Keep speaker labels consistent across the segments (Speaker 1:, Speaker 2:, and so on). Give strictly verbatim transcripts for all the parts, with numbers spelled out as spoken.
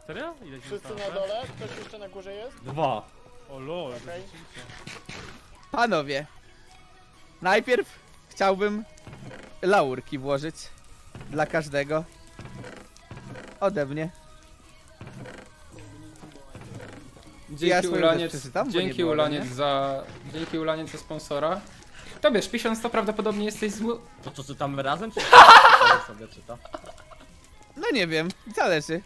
Speaker 1: Serio? Ile ci
Speaker 2: Wszyscy
Speaker 1: zostało?
Speaker 2: na dole? Ktoś jeszcze na górze jest?
Speaker 3: Dwa.
Speaker 1: O lol,
Speaker 2: Okej.
Speaker 1: rzeczywiście.
Speaker 4: Panowie, najpierw chciałbym laurki włożyć dla każdego ode mnie. Ja
Speaker 5: Dzięki
Speaker 4: swoją
Speaker 5: Ulaniec,
Speaker 4: też przeczytam, bo nie
Speaker 5: dzięki
Speaker 4: było,
Speaker 5: Ulaniec
Speaker 4: nie?
Speaker 5: za, dzięki Ulaniec za sponsora. To wiesz, pisząc to prawdopodobnie jesteś zły.
Speaker 3: To co, czytamy razem, czy sobie czyta?
Speaker 4: No nie wiem, zależy.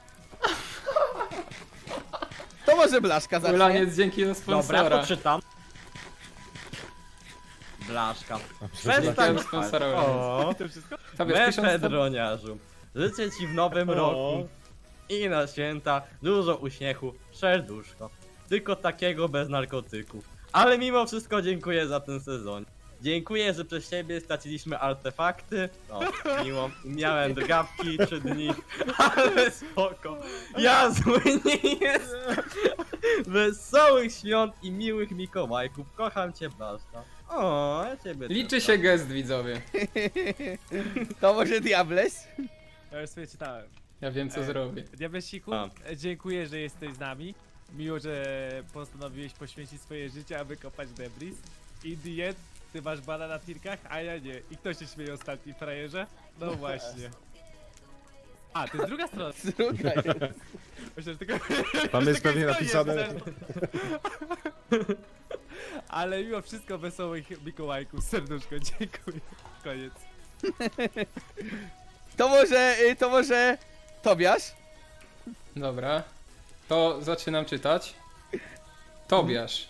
Speaker 4: To może Blaszka zacznie.
Speaker 5: Ulaniec, dzięki za
Speaker 3: Dobra,
Speaker 5: sponsora.
Speaker 3: to czytam. Blaszka.
Speaker 5: Dzięki
Speaker 3: Przestań
Speaker 5: za sponsora.
Speaker 1: O, to wszystko?
Speaker 5: To wiesz, pisząc to...
Speaker 3: Mefedroniarzu. Życzę ci w nowym
Speaker 1: O.
Speaker 3: roku i na święta dużo uśmiechu, serduszko. Tylko takiego bez narkotyków. Ale mimo wszystko dziękuję za ten sezon. Dziękuję, że przez ciebie straciliśmy artefakty. O, miło. Miałem drgawki trzy dni, ale spoko. Ja zły nie jestem. Wesołych świąt i miłych Mikołajków. Kocham cię, Blaszka. O, ja ciebie
Speaker 5: Liczy
Speaker 3: też
Speaker 5: się gest, widzowie.
Speaker 4: To może Diables?
Speaker 1: Ja już sobie czytałem.
Speaker 5: Ja wiem, co
Speaker 1: E,
Speaker 5: zrobię.
Speaker 1: Diabesiku,
Speaker 3: A.
Speaker 1: e, dziękuję, że jesteś z nami. Miło, że postanowiłeś poświęcić swoje życie, aby kopać debris. In the end, ty masz bana na tirkach, a ja nie. I kto się śmieje ostatni, frajerze? No właśnie. A, to jest druga strona.
Speaker 4: Druga jest.
Speaker 1: Myślę, że tylko...
Speaker 6: Tam jest pewnie
Speaker 1: tylko
Speaker 6: napisane.
Speaker 1: jest, ale mimo wszystko wesołych Mikołajków, serduszko, dziękuję. Koniec.
Speaker 4: To może, y, to może Tobiasz?
Speaker 5: Dobra. To zaczynam czytać. Tobiasz.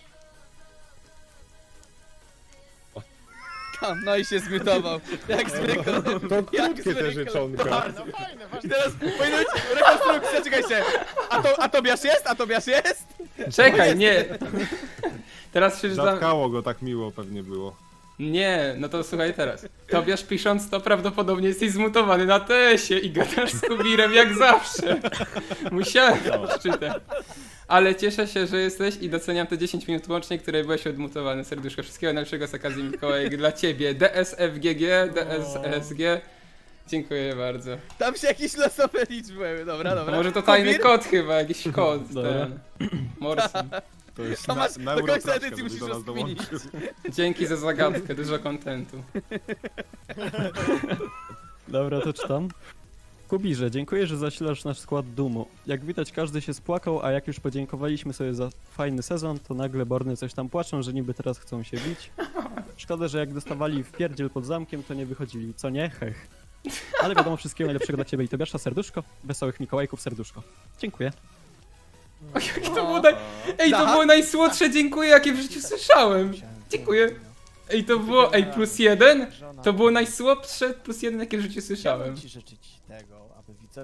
Speaker 4: Tam, no i się zmutował. Jak zwykle.
Speaker 6: To
Speaker 4: Jak
Speaker 6: krótkie te
Speaker 4: zwykle.
Speaker 6: życzonka.
Speaker 2: No fajne,
Speaker 4: I
Speaker 2: ważne.
Speaker 4: teraz powinno być rekonstrukcja, czekajcie. A, to, a Tobiasz jest? A Tobiasz jest?
Speaker 5: Czekaj, nie. Teraz przeczytam.
Speaker 6: Zatkało go tak miło pewnie było.
Speaker 5: Nie, no to słuchaj teraz. Tobiasz pisząc to prawdopodobnie jesteś zmutowany na tesie i gadasz z Kubirem jak zawsze. Musiałem to przeczytać. Ale cieszę się, że jesteś i doceniam te dziesięć minut łącznie, które byłeś odmutowany. Serduszko, wszystkiego najlepszego z okazji Mikołajek dla ciebie. D S F G G, D S S G. Dziękuję bardzo.
Speaker 4: Tam się jakieś losowe liczby były. Dobra, dobra.
Speaker 5: Może to tajny
Speaker 4: Kubir?
Speaker 5: kod chyba, jakiś kod ten. Morsi.
Speaker 6: To jest
Speaker 4: To
Speaker 6: na,
Speaker 4: masz
Speaker 6: na
Speaker 4: do końca
Speaker 6: Eurotraczkę,
Speaker 4: edycji
Speaker 6: żeby
Speaker 4: musisz
Speaker 6: do nas
Speaker 4: rozkminić.
Speaker 6: dołączył.
Speaker 5: Dzięki za zagadkę, dużo kontentu.
Speaker 7: Dobra, to czytam. Kubirze, dziękuję, że zasilasz nasz skład dumu. Jak widać, każdy się spłakał, a jak już podziękowaliśmy sobie za fajny sezon, to nagle Borny coś tam płaczą, że niby teraz chcą się bić. Szkoda, że jak dostawali w pierdziel pod zamkiem, to nie wychodzili, co nie? Hech. Ale wiadomo, wszystkiego najlepszego dla ciebie i Tobiasza, serduszko. Wesołych Mikołajków, serduszko. Dziękuję.
Speaker 5: O, jakie to było naj... Ej, to było najsłodsze dziękuję, jakie w życiu słyszałem. Dziękuję. Ej, to było... Ej, plus jeden? To było najsłodsze plus jeden, jakie w życiu słyszałem.
Speaker 8: Chciałbym ci życzyć tego, aby widzowie